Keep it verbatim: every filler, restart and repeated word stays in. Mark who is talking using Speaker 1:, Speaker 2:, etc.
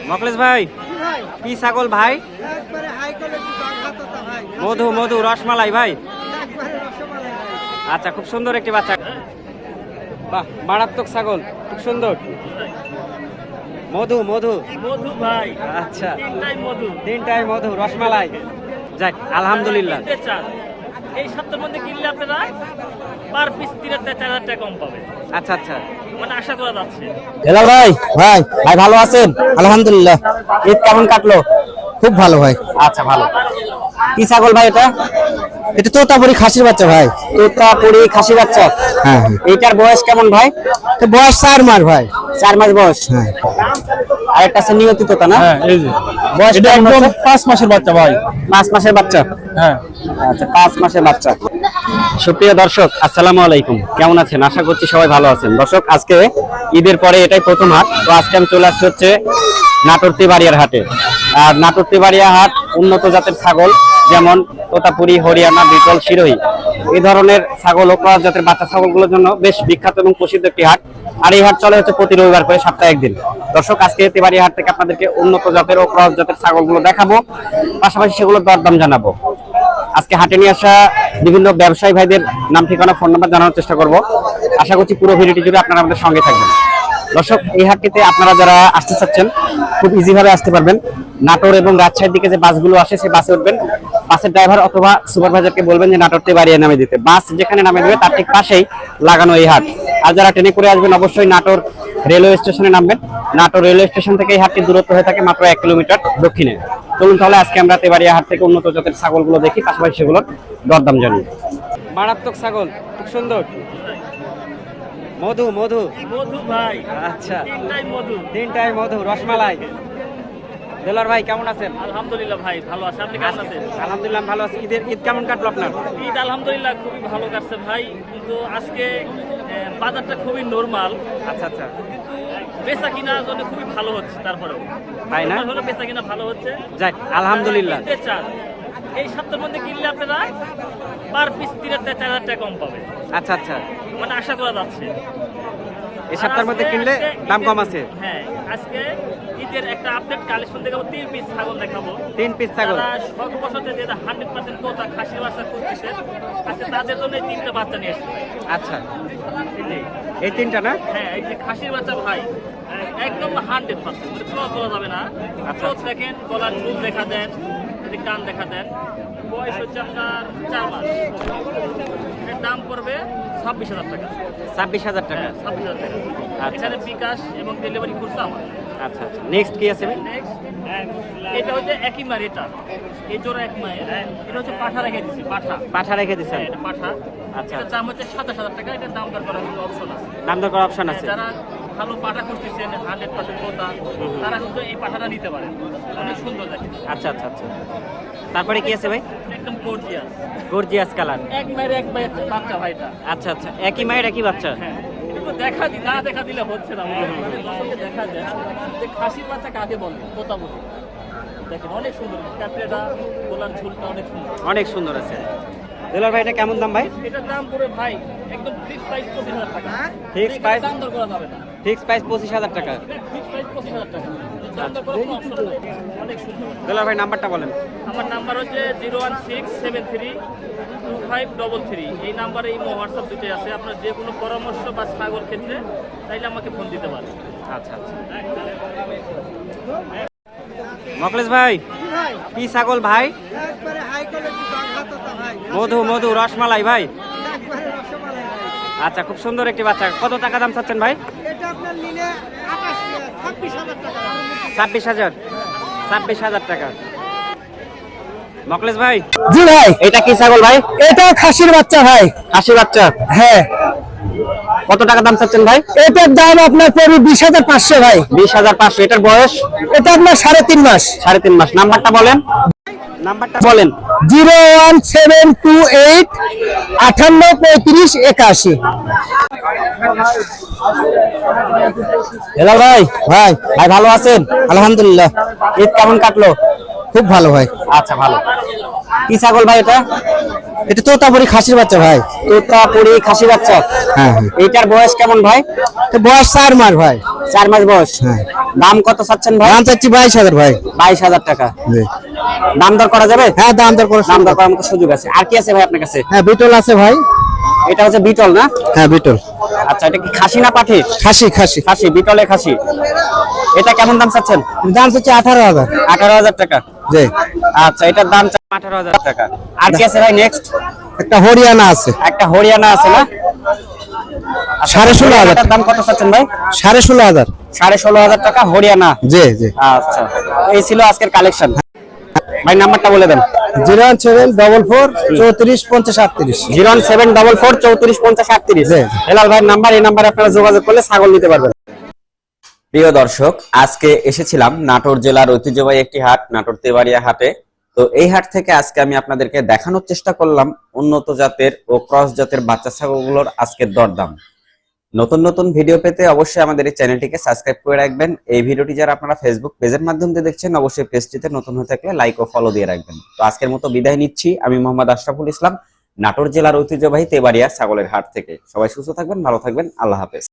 Speaker 1: মকলেশ ভাই কি ছাগল ভাই? মধু মধু রসমালাই ভাই। আচ্ছা খুব সুন্দর একটি বাচ্চা, বাহ মারাত্মক ছাগল, খুব সুন্দর। মধু মধু
Speaker 2: মধু ভাই।
Speaker 1: আচ্ছা
Speaker 2: তিনটাই মধু,
Speaker 1: তিনটাই মধু রসমালাই। যাক আলহামদুলিল্লাহ।
Speaker 2: এই সপ্তাহের মধ্যে কিনলে আপনারা পার পিস তিন হাজার চার হাজার টাকা কম পাবে।
Speaker 1: আচ্ছা আচ্ছা
Speaker 2: মানে আশা করা যাচ্ছে।
Speaker 3: হেলো ভাই, ভাই ভাই ভালো আছেন? আলহামদুলিল্লাহ। ঈদ কেমন কাটলো? খুব ভালো ভাই। আচ্ছা ভালো। কি ছাগল ভাই এটা? এটা তোতাপুরি খাসির বাচ্চা ভাই। তোতাপুরি খাসির বাচ্চা। হ্যাঁ হ্যাঁ। এইটার বয়স কেমন ভাই? তো বয়স চার মাস ভাই। চার মাস বয়স। হ্যাঁ। আর একটা আছে নিয়তি তোতা না? হ্যাঁ এই যে। বয়স এটা একদম পাঁচ মাসের বাচ্চা ভাই। পাঁচ মাসের বাচ্চা। হ্যাঁ। আচ্ছা পাঁচ মাসের বাচ্চা।
Speaker 1: সুপ্রিয় দর্শক আসসালামু আলাইকুম, কেমন আছেন? আশা করছি সবাই ভালো আছেন। দর্শক আজকে ঈদের পরে এটাই প্রথম হাট, তো আজকে আমি চলে আসছি হচ্ছে নাটোর তেবাড়িয়ার হাটে। আর নাটোর তেবাড়িয়া হাট উন্নত জাতের ছাগল যেমন তোতাপুরি, হরিয়ানা, বিটল, সিরোহী এই ধরনের ছাগল ও ক্রস জাতের বাচ্চা ছাগলগুলোর জন্য বেশ বিখ্যাত এবং প্রসিদ্ধ একটি হাট। আর এই হাট চলে হচ্ছে প্রতি রবিবার করে সপ্তাহে একদিন। দর্শক আজকে তেবাড়িয়া হাট থেকে আপনাদেরকে উন্নত জাতের ও ক্রস জাতের ছাগলগুলো দেখাবো, পাশাপাশি সেগুলোর দরদাম জানাবো। আজকে হাটে নিয়ে আসা বিভিন্ন ব্যবসায়ী ভাইদের নাম, ঠিকানা, ফোন নাম্বার জানানোর চেষ্টা করব। আশা করছি পুরো ভিডিওটি জুড়ে আপনারা আমাদের সঙ্গে থাকবেন। দর্শক এই হাটটিতে আপনারা যারা আসতে চাচ্ছেন খুব ইজি ভাবে আসতে পারবেন। নাটোর এবং রাজশাহীর দিকে যে বাসগুলো আসে সেই বাসে উঠবেন, বাসের ড্রাইভার অথবা সুপারভাইজারকে বলবেন যে নাটোর তেবাড়িয়া নামে দিতে। বাস যেখানে নামে দেবে তার ঠিক পাশেই লাগানো এই হাট। আর যারা ট্রেনে করে আসবেন অবশ্যই নাটোর রেলওয়ে স্টেশনে নামবেন। নাটোর রেলওয়ে স্টেশন থেকে এই হাটটির দূরত্ব হয়ে থাকে মাত্র এক কিলোমিটার দক্ষিণে। চলুন তাহলে আজকে আমরা তেবাড়িয়া হাট থেকে উন্নত জাতের ছাগলগুলো দেখি, পাশাপাশি সেগুলোর দরদাম জানি। মারাত্মক ছাগল, খুব সুন্দর। মধু মধু
Speaker 2: মধু ভাই।
Speaker 1: আচ্ছা
Speaker 2: তিনটাই মধু,
Speaker 1: তিনটাই মধু রসমালাই। দেলার ভাই কেমন আছেন?
Speaker 2: আলহামদুলিল্লাহ ভাই ভালো আছে। আপনি কেমন আছেন?
Speaker 1: আলহামদুলিল্লাহ ভালো আছি। ঈদের ঈদ কেমন কাটলো আপনার?
Speaker 2: ঈদ আলহামদুলিল্লাহ খুবই ভালো কাটছে ভাই, কিন্তু আজকে আহ, বাজারটা খুবই নরমাল।
Speaker 1: আচ্ছা আচ্ছা
Speaker 2: কিন্তু বেচা কিনা জন্য খুবই ভালো হচ্ছে। তারপরেও
Speaker 1: তাই না?
Speaker 2: হলো বেচা কিনা ভালো হচ্ছে।
Speaker 1: যাক আলহামদুলিল্লাহ।
Speaker 2: ঈদের চাল এই সপ্তাহের মধ্যে কিনলে আপনারা পার পিস তিন হাজার চার হাজার টাকা কম পাবে।
Speaker 1: আচ্ছা আচ্ছা
Speaker 2: মানে আশা করা যাচ্ছে
Speaker 1: এই সপ্তাহের মধ্যে কিনলে দাম কম আছে।
Speaker 2: হ্যাঁ আজকে ঈদের একটা আপডেট কালেকশন দেখাবো, তিন পিস ছাগল দেখাবো।
Speaker 1: তিন পিস ছাগল
Speaker 2: শখ বছরে যেটা হান্ড্রেড পার্সেন্ট তোতা খাসি বাচ্চা খুঁজতেছে আজকে তাদের জন্য এই তিনটা বাচ্চা নিয়ে এসেছে।
Speaker 1: আচ্ছা এই তিনটা না?
Speaker 2: হ্যাঁ এই যে খাসির বাচ্চা ভাই একদম হান্ড্রেড পার্সেন্ট ক্রস করা যাবে না।
Speaker 1: আচ্ছা
Speaker 2: দেখেন গলার চুল দেখা দেন, কান দেখা দেন। বয়স হচ্ছে আপনার চার মাস। এর দাম পড়বে ছাব্বিশ হাজার টাকা।
Speaker 1: ছাব্বিশ হাজার টাকা
Speaker 2: ছাব্বিশ হাজার টাকা। এখানে বিকাশ এবং ডেলিভারি খরচা আমার।
Speaker 1: আচ্ছা আচ্ছা নেক্সট কি আছে ভাই?
Speaker 2: নেক্সট এটা হচ্ছে একই মার, এটা এই জোড়া এক মায়ের। এটা হচ্ছে পাঠা রেখে দিচ্ছি, পাঠা
Speaker 1: পাঠা রেখে দিচ্ছেন?
Speaker 2: এটা পাঠা।
Speaker 1: আচ্ছা
Speaker 2: এটার দাম হচ্ছে সাতাশ হাজার টাকা। এটার দাম দর করার অপশন আছে।
Speaker 1: দাম দর করার অপশন আছে।
Speaker 2: যারা ভালো পাঠা খুঁজতেছেন হান্ড্রেড পার্সেন্ট কোথা, তারা কিন্তু এই পাঠাটা নিতে পারেন, অনেক সুন্দর দেখে।
Speaker 1: আচ্ছা আচ্ছা আচ্ছা তারপরে কি আছে ভাই?
Speaker 2: একদম গর্জিয়াস
Speaker 1: গর্জিয়াস কালার।
Speaker 2: এক মায়ের এক মায়ের বাচ্চা ভাইটা।
Speaker 1: আচ্ছা আচ্ছা একই মায়ের একই বাচ্চা।
Speaker 2: হ্যাঁ কিন্তু দেখা দি না দেখা দিলে হচ্ছে না, মানে দর্শককে দেখা যায় যে খাসির বাচ্চা কাকে বলে, কোথা বলে। দেখেন অনেক সুন্দর ক্যাপড়েটা, গোলার ঝুলটা অনেক সুন্দর,
Speaker 1: অনেক সুন্দর আছে। দেলার ভাই এটা কেমন দাম ভাই?
Speaker 2: এটার দাম পড়ে ভাই একদম ফিক্স প্রাইস পঁচিশ হাজার টাকা।
Speaker 1: Fix price?
Speaker 2: দাম দর করা যাবে না।
Speaker 1: ফিক্স প্রাইস পঁচিশ হাজার টাকা।
Speaker 2: ফিক্স প্রাইস পঁচিশ হাজার টাকা। দাম দর করার কোনো অপশন নাই। অনেক সুন্দর।
Speaker 1: দেলার ভাই নাম্বারটা বলেন।
Speaker 2: আমার নাম্বার হচ্ছে zero one six seven three two five double three. এই নাম্বারে এই হোয়াটসঅ্যাপ দুটোই আছে। আপনার যে কোনো পরামর্শ বা ছাগল ক্ষেত্রে চাইলে আমাকে ফোন দিতে পারেন।
Speaker 1: আচ্ছা আচ্ছা মকলেশ ভাই কি ছাগল ভাই? মধু মধু রসমালাই ভাই। আচ্ছা খুব সুন্দর একটি বাচ্চা। কত টাকা দাম চাচ্ছেন ভাই? ছাব্বিশ হাজার ছাব্বিশ হাজার টাকা। মকলেশ ভাই
Speaker 3: জি ভাই,
Speaker 1: এটা কি ছাগল ভাই?
Speaker 3: এটা খাসির বাচ্চা ভাই।
Speaker 1: খাসির বাচ্চা?
Speaker 3: হ্যাঁ।
Speaker 1: কত টাকা দাম চাচ্ছেন ভাই?
Speaker 3: এটার দাম আপনার পড়বে বিশ হাজার পাঁচশো ভাই।
Speaker 1: বিশ হাজার পাঁচশো। এটার বয়স?
Speaker 3: এটা আপনার সাড়ে তিন মাস।
Speaker 1: সাড়ে তিন মাস। নাম্বারটা বলেন, নাম্বারটা বলেন।
Speaker 3: Zero one seven two eight আটান্ন পঁয়ত্রিশ একাশি।
Speaker 1: হ্যালো ভাই,
Speaker 3: ভাই
Speaker 1: ভাই ভালো আছেন?
Speaker 3: আলহামদুলিল্লাহ।
Speaker 1: ঈদ কেমন কাটলো?
Speaker 3: খুব ভালো ভাই।
Speaker 1: আচ্ছা ভালো। কি ছাগল ভাই এটা?
Speaker 3: এটা তোতাপুরি খাসির বাচ্চা ভাই।
Speaker 1: তোতাপুরি খাসি বাচ্চা।
Speaker 3: হ্যাঁ হ্যাঁ।
Speaker 1: এইটার বয়স কেমন ভাই?
Speaker 3: এটা বয়স চার মাস ভাই।
Speaker 1: চার মাস বয়স।
Speaker 3: হ্যাঁ।
Speaker 1: দাম কত চাচ্ছেন ভাই?
Speaker 3: দাম চাচ্ছি বাইশ হাজার ভাই।
Speaker 1: বাইশ হাজার টাকা।
Speaker 3: জি।
Speaker 1: দাম দর করা যাবে?
Speaker 3: হ্যাঁ দাম দর করে
Speaker 1: দাম দর করার মতো সুযোগ আছে। আর কি আছে ভাই আপনার কাছে?
Speaker 3: হ্যাঁ বিটল আছে ভাই।
Speaker 1: এটা হচ্ছে বিটল না?
Speaker 3: হ্যাঁ বিটল।
Speaker 1: আচ্ছা, এটা কি খাসি না পাঠি?
Speaker 3: খাসি খাসি।
Speaker 1: খাসি, বিটলে খাসি। এটা কেমন দাম চাচ্ছেন?
Speaker 3: দাম চাচ্ছি আঠারো হাজার।
Speaker 1: আঠারো হাজার টাকা।
Speaker 3: জি।
Speaker 1: আচ্ছা, এটার দাম আঠারো হাজার টাকা। আর কি আছে ভাই নেক্সট?
Speaker 3: একটা হরিয়ানা আছে।
Speaker 1: একটা হরিয়ানা আছে না?
Speaker 3: সাড়ে ষোলো হাজার।
Speaker 1: দাম কত চাচ্ছেন ভাই?
Speaker 3: সাড়ে ষোলো হাজার।
Speaker 1: সাড়ে ষোলো হাজার টাকা হরিয়ানা।
Speaker 3: জি জি।
Speaker 1: আচ্ছা, এই ছিল আজকের কালেকশন। ভাই নাম্বারটা বলে দেন।
Speaker 3: Zero one seven double four চৌত্রিশ পঞ্চাশ আটত্রিশ।
Speaker 1: Zero one seven double four চৌত্রিশ পঞ্চাশ আটত্রিশ।
Speaker 3: জি।
Speaker 1: হেলাল ভাইয়ের নাম্বার, এই নাম্বারে আপনারা যোগাযোগ করলে ছাগল নিতে পারবেন। প্রিয় দর্শক, আজকে এসেছিলাম নাটোর জেলার ঐতিহ্যবাহী একটি হাট, নাটোর তেবাড়িয়া হাটে। তো এই হাট থেকে আজকে আমি আপনাদেরকে দেখানোর চেষ্টা করলাম উন্নত জাতের ও ক্রস জাতের বাচ্চা ছাগলগুলোর আজকের দরদাম। নতুন নতুন ভিডিও পেতে অবশ্যই আমাদের এই চ্যানেলটিকে সাবস্ক্রাইব করে রাখবেন। এই ভিডিওটি যারা আপনারা ফেসবুক পেজের মাধ্যমে দেখছেন, অবশ্যই পেজটিতে নতুন হয়ে থাকলে লাইক ও ফলো দিয়ে রাখবেন। তো আজকের মতো বিদায় নিচ্ছি। আমি মোহাম্মদ আশরাফুল ইসলাম, নাটোর জেলার ঐতিহ্যবাহী তেবাড়িয়া ছাগলের হাট থেকে। সবাই সুস্থ থাকবেন, ভালো থাকবেন, আল্লাহ হাফেজ।